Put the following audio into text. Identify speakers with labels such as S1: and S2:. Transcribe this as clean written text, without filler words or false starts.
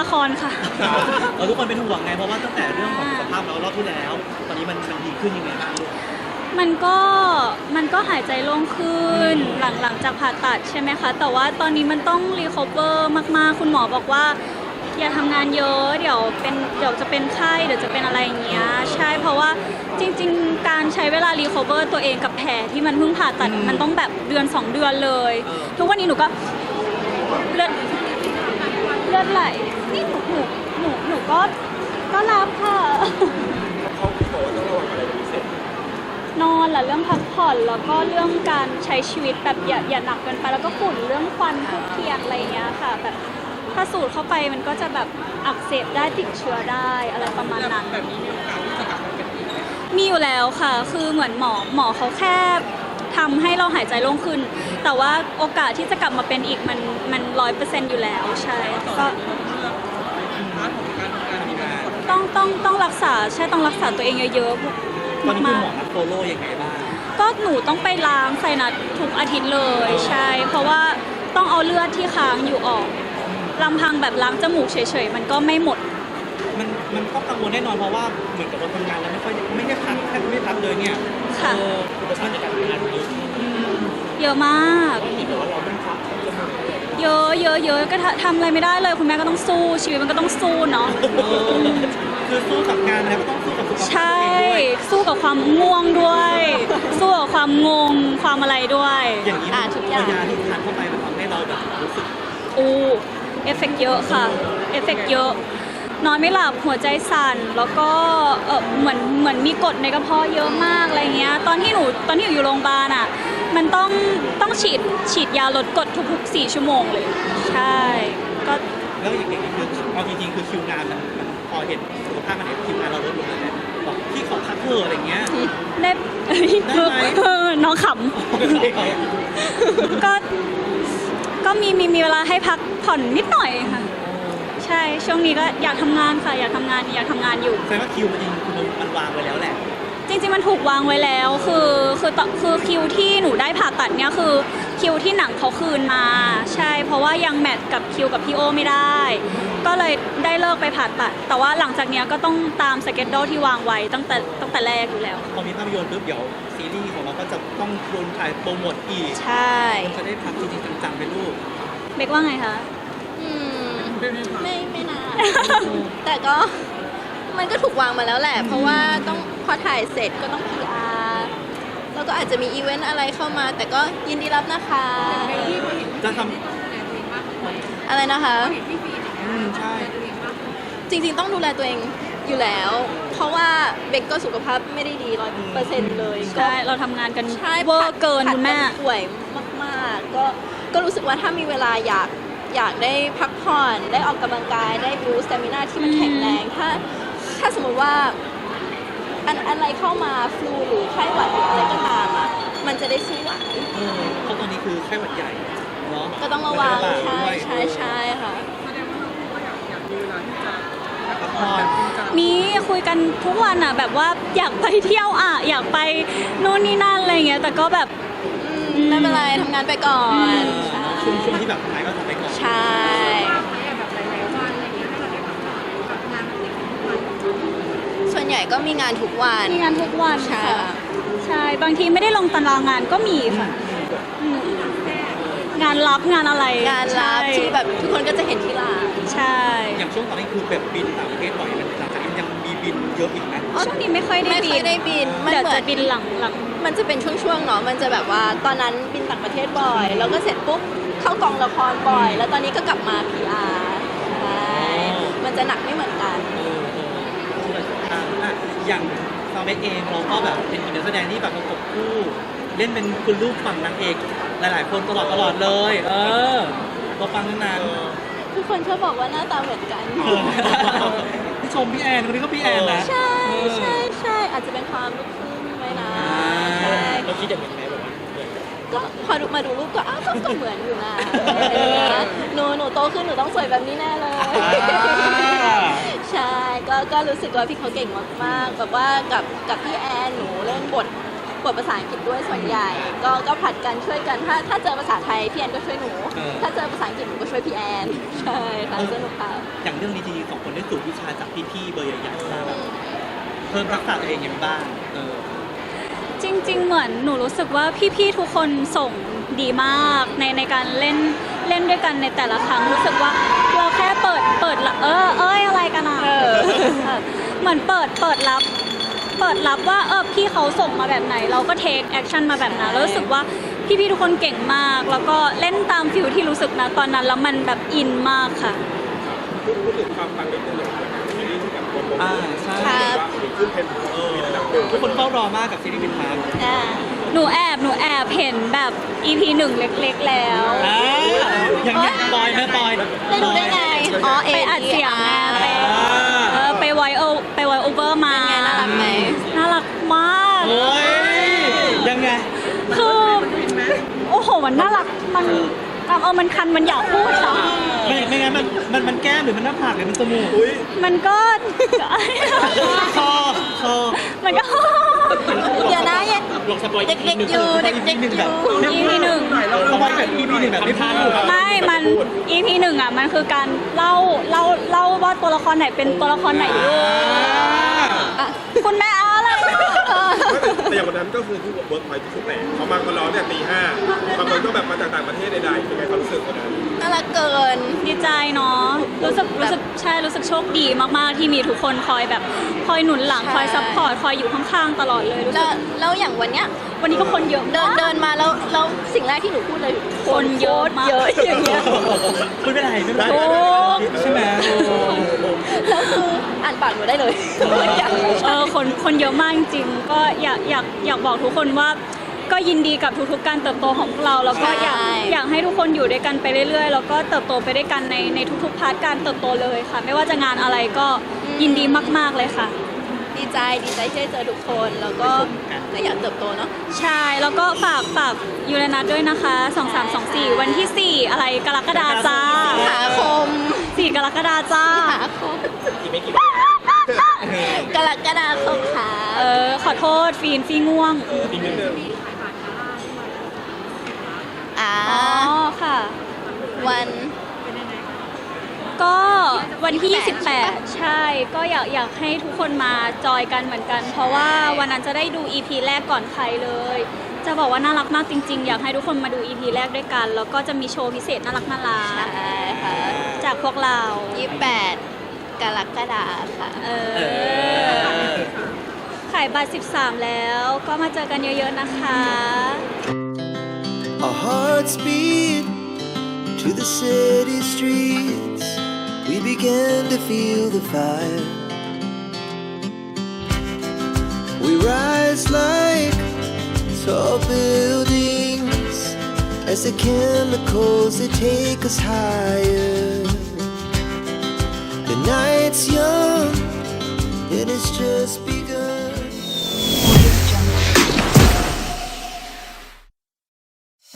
S1: ละครค่ะ
S2: เราทุกคนเป็นห่วงไงเพราะว่าตั้งแต่เรื่องของสุขภาพเรารอบที่แล้ว ตอนนี้มันดีขึ้นยังไงบ้างลูก
S1: มันก็หายใจโล่งขึ้นหลังจากผ่าตัดใช่ไหมคะแต่ว่าตอนนี้มันต้องรีคอเวอร์มากๆคุณหมอบอกว่าอย่าทำงานเยอะเดี๋ยวจะเป็นไข้เดี๋ยวจะเป็นอะไรอย่างเงี้ยใช่เพราะว่าจริงๆการใช้เวลารีคอเวอร์ตัวเองกับแผลที่มันเพิ่งผ่าตัดมันต้องแบบเดือน2 เดือนเลยทุกวันนี้หนูก็เลือดไหลนี่หนูก็รับค่ะ
S3: เขาบอกว่าต้องระวังอะไรเป็นพิเศษ
S1: นอนแหละเรื่องพักผ่อนแล้วก็เรื่องการใช้ชีวิตแบบอย่าหนักเกินไปแล้วก็ฝุ่นเรื่องควันทุกเทียนอะไรอย่างเงี้ยค่ะแบบถ้าสูดเข้าไปมันก็จะแบบอักเสบได้ติดเชื้อได้อะไรประมาณนั้นแบบนี้มีโอกาสที่จะกลับมาเป็นอีกไหมมีอยู่แล้วค่ะคือเหมือนหมอเขาแค่ทำให้เราหายใจโล่งขึ้นแต่ว่าโอกาสที่จะกลับมาเป็นอีกมัน100%อยู่แล้วใช่ก็ต้องรักษาใช่ต้องรักษาตัวเองเยอะๆ
S2: ตอนนี้คุณ
S1: มาก
S2: หมอนัดโฟโล่ยังไงบ้าง
S1: ก็หนูต้องไปล้างไซนัสทุกอาทิตย์เลยใช่เพราะว่าต้องเอาเลือดที่ค้างอยู่ออกลำพังแบบล้างจมูกเฉยๆมันก็ไม่หมด
S2: มันก็กังวลแน่นอนเพราะว่าเหมือนกับเราทำงานแล้วไม่ได้พักแทบไม่พักเลยเนี่ย
S1: ค่ะ
S2: อุปสรรคในการทำงานเยอะ
S1: เยอะมาก
S2: ที่แบบว่าเราต้องพักจมูก
S1: เยอะก็ทำอะไรไม่ได้เลยคุณแม่ก็ต้องสู้ชีวิตมันก็ต้องสู้เนาะ
S2: คือสู้กับงานแล้วก็ต้องสู้กับสุขภาพ
S1: ใช่
S2: ตัวเองด้วย
S1: สู้กับความง่วงด้วย สู้กับความงงความอะไรด้วย
S2: อย่างนี้
S1: ทุกอย่าง
S2: ยาที่ทานเข้าไปมันทำให้เราแบบรู้สึก
S1: เอฟเฟกต์เยอะค่ะเอฟเฟกต์เยอะนอนไม่หลับหัวใจสั่นแล้วก็เหมือนมีกรดในกระเพาะเยอะมากอะไรเงี้ยตอนที่หนูอยู่โรงพยาบาลอ่ะมันต้องฉีดยาลดกรดทุกๆ4 ชั่วโมงเลยใช่ก็
S2: แล้วอย่างนี้คือเอาจริงๆคือคิวงานมันพอเห็นสุขภาพมันเห็นคิวงานเราลดลงเลยเนี่ยบอกพี่ขอพักเถอะอะไรเงี้ย
S1: ได้
S2: ได้ไหม
S1: น้องขำก็มีเวลาให้พักผ่อนนิดหน่อยค่ะใช่ช่วงนี้ก็อยากทำงานค่ะอยากทำงานอยู่
S2: แสดงว่าคิวมันจริงคือมันวางไว้แล้วแหละ
S1: จริงๆมันถูกวางไว้แล้วคือคิวที่หนูได้ผ่าตัดเนี่ยคือคิวที่หนังเขาคืนมาใช่เพราะว่ายังแมทกับคิวกับพี่โอไม่ได้ ก็เลยได้เลิกไปผ่าตัด แต่ว่าหลังจากเนี้ยก็ต้องตามสเกจโดที่วางไว้ตั้งแต่แรกอยู่แล้ว
S2: พอมีภาพยนตร์ปุ๊บเดี๋ยวซีรีส์ของเราก็จะต้องโดนถ่ายโปรโมทอีก
S1: ใช่
S2: จะได้พักจริงๆจังๆไปลูก
S1: เบกว่าไงคะ
S4: ไม่นาน แต่ก็มันก็ถูกวางมาแล้วแหละ เพราะว่าต้องพอถ่ายเสร็จก็ต้อง PR แล้วก็อาจจะมีอีเวนต์อะไรเข้ามา แต่ก็ยินดีรับนะคะ
S2: จะท
S4: อะไรนะคะ
S2: ใช่
S4: จริงๆต้องดูแลตัวเองอยู่แล้ว เพราะว่าเบกก็สุขภาพไม่ได้ดี100%เลยก็
S1: ใช่เราทำงานกัน
S4: ใช่
S1: เวอร์เกิน
S4: ผัด
S1: คุณแม่
S4: กันป่วยมากๆก็รู้สึกว่าถ้ามีเวลาอยากได้พักผ่อนได้ออกกำลังกายได้บูสต์สเตมินาที่มันแข็งแรงถ้าสมมติว่าอะไรเข้ามาฟลูหรือไข้หวัดหรืออะไรก็ตามอ่ะมันจะได้สู้ไหว
S2: เพราะตอนนี้คือไข้หวัดใหญ่เนาะ
S4: ก็ต้องระวัง
S2: มัน
S4: ใช่
S2: ระบาดด้วย
S4: ใช่ค่ะ
S2: พักผ่อน
S1: มีคุยกันทุกวันอ่ะแบบว่าอยากไปเที่ยวอ่ะอยากไปนู่นนี่นั่นอะไรเงี้ยแต่ก็แบบ
S4: ไม่เป็นไรทำงานไปก่อน
S2: ช่วงที่แบบหายก็ทำไปก่อน
S4: ใช่ส่วนใหญ่ก็มีงานทุกวัน
S1: มีงานทุกวัน
S4: ใช่
S1: ค่ะใช่บางทีไม่ได้ลงตารางงานก็มีค่ะอืมงานรับงานอะไร
S4: งานรับ
S1: ใช่
S4: ที่แบบทุกคนก็จะเห็นที่ร้าน
S1: ใช่
S2: อย่างช่วงตอนนี้คือแบบบินต่างประเทศบ่อยมันหลังจากนี้ยังมีบินเยอะอีกไหม
S1: ช่วงนี้ไม่ค่อยได้
S4: ไม่
S1: บิ
S4: ค่อย
S1: น
S4: ได้บินมัน
S1: เดี๋ยว
S4: เหมื
S1: จะ
S4: อน
S1: บินหลัง
S4: มันจะเป็นช่วงๆเนาะมันจะแบบว่าตอนนั้นบินต่างประเทศบ่อย แล้วก็เสร็จปุ๊บเข้ากองละครบ่อย แล้วตอนนี้ก็กลับมา PR ใช่มันจะหนักไม่เหมือนกัน
S2: อย่างซาวเบกเองเราก็แบบเป็นอีกนักแสดงที่แบบประกบคู่เล่นเป็นคุณลูกฝั่งนางเอกหลายๆคนตลอดเลย เราฟังตั้งนาน
S4: ทุกคนชอบบอกว่าหน้าตาเหมือนกัน
S2: พี่ชมพี่แอนคนนี้ก็พี่แอนนะ
S4: ใช่อาจจะเป็นความลูกครึ่งไหมนะใช่
S2: เราคิดอย่างนั้นไหมแบบว่า
S4: ก็พอมาดูรูปก็อ้าวก็เหมือนอยู่นะหนูโตขึ้นหนูต้องสวยแบบนี้แน่เลย ใช่ก็รู้สึกว่าพี่เขาเก่งมากๆแบบว่ากับพี่แอนหนูเล่นบทกดภาษาอังกฤษด้วยส่วนใหญ่ ก็ผลัดกันช่วยกันถ้าเจอภาษาไทยพี่แอนก็ช่วยหนู ถ้าเจอภาษาอังกฤษหนูก็ช่วยพี่แอนใช่ค่ะสนุกค่ะ
S2: อย่างเรื่องนี้จริงๆสองคนได้สูตรวิชาจากพี่ๆเบอร์ใหญ่ๆมาแบบเพิ่มทักษะตัวเองยังบ้าง
S1: จริงๆเหมือนหนูรู้สึกว่าพี่ๆทุกคนส่งดีมากในการเล่นด้วยกันในแต่ละครั้งรู้สึกว่าเราแค่เปิดอะไรกันอ่ะเหมือนเปิดรับว่าพี่เขาส่งมาแบบไหน เราก็เทคแอคชั่นมาแบบนั้นแล้วรู้สึกว่าพี่ๆทุกคนเก่งมาก แล้วก็เล่นตามฟิลที่รู้สึกนะตอนนั้นแล้วมันแบบอินมากค่ะ
S3: พูดถึงความปังนิดนึงเลยซีรีส์ที่แบบโปรโมท
S2: ใช่
S4: ครับ
S3: ว่าขึ้นเทรนด์มีระดับหนึ่ง
S2: ทุกคนเฝ้ารอมากกับซีรีส์วินทาร์
S1: หนูแอบเห็นแบบ EP 1 เล็กๆแล้ว
S2: ยังปอยนะปอย
S4: ได้ดูได้ไงอ๋อเอ
S1: ไปอัดเสียงไงไปไวโอเวอร์มา
S4: เป็นไงน่ารักไหม
S1: น่ารักมาก
S2: โอ้ยยังไง
S1: คือโอ้โหมันน่ารักมันคันมันอยากพูดค่ะ
S2: ไม่งั้นมันแก้มหรือมันหน้าผากหรือมันจมูก
S1: มันก็
S2: คอ
S1: มันก็
S4: เดี๋ยวนะยัง
S2: ลองสปอย
S4: เด็กๆอยู่เด็กๆอยู่
S1: EP 1
S2: สปอยแบบ EP 1แบบไม่พลาดถูก
S1: ไม่มัน EP 1อ่ะมันคือการเล่าว่าตัวละครไหนเป็นตัวละครไหนอยู่คุณแม่เอาอะไร
S3: แต่อย่างวันนั้นก็คือที่เวิร์กพอยท์ที่สุดแหละเขามาร้องเนี่ยตี 5บางคนก็แบบมาจากต่างประเทศใดๆเป็นไงความรู้สึกวันนั้น
S4: น่ารักเกิน
S1: ดีใจเนาะรู้สึกโชคดีมากๆที่มีทุกคนคอยหนุนหลัง
S4: ใช่
S1: คอยซัพพอร์ตคอยอยู่ข้างๆตลอดเลยรู้สึก
S4: แล้วอย่างวันเนี้ย
S1: วันนี้ก็คนเยอะ
S4: เดินมาแล้วสิ่งแรกที่หนูพูดเลย
S1: คนเยอะมาก
S4: เยอะอย่างเงี้ย
S2: ไม่เป็นไรไม่เป็นไร
S1: โอ้
S2: ใช่ไหม
S4: แล้วคืออ่านปากหนูได้เลย
S1: คนเยอะมากจริงๆก็อยากบอกทุกคนว่าก็ยินดีกับทุกๆการเติบโตของพวกเราแล้วก็อยากให้ทุกคนอยู่ด้วยกันไปเรื่อยๆแล้วก็เติบโตไปด้วยกันในทุกๆพาร์ทการเติบโตเลยค่ะ ไม่ว่าจะงานอะไรก็ยินดีมากๆเลยค่ะ
S4: ดีใจที่ได้เจอทุกคนแล้วก็อยากเติบโตเนาะ
S1: ใช่แล้วก็ฝากยูเรนัสด้วยนะคะ2324วันที่ 4 อะไรกรกฎาจ้า
S4: สิงหาคม
S1: 4 กรกฎาจ้า
S4: สิงหาคม
S3: อีกไม่กี่วัน
S4: กรกฎาคมค่ะ
S1: ขอโทษฟีง่วง
S3: อีกนิดนึง
S4: อ๋อ
S1: ค่ะ
S4: วัน
S1: ก็วันที่ 28 ใช่ก็อยากให้ทุกคนมาจอยกันเหมือนกัน เพราะว่าวันนั้นจะได้ดู EP แรกก่อนใครเลย จะบอกว่าน่ารักมากจริงๆ อยากให้ทุกคนมาดู EP แรกด้วยกัน แล้วก็จะมีโชว์พิเศษน่ารัก
S4: ใช่ค่ะ
S1: จากพวกเรา
S4: 28 กรกฎาคมค่ะ
S1: ขายบัตร13 แล้วก็มาเจอกันเยอะๆนะคะ
S5: Our hearts beat to the city streets. We began to feel the fire. We rise like tall buildings as the chemicals they take us higher. The night's young and it's just begun.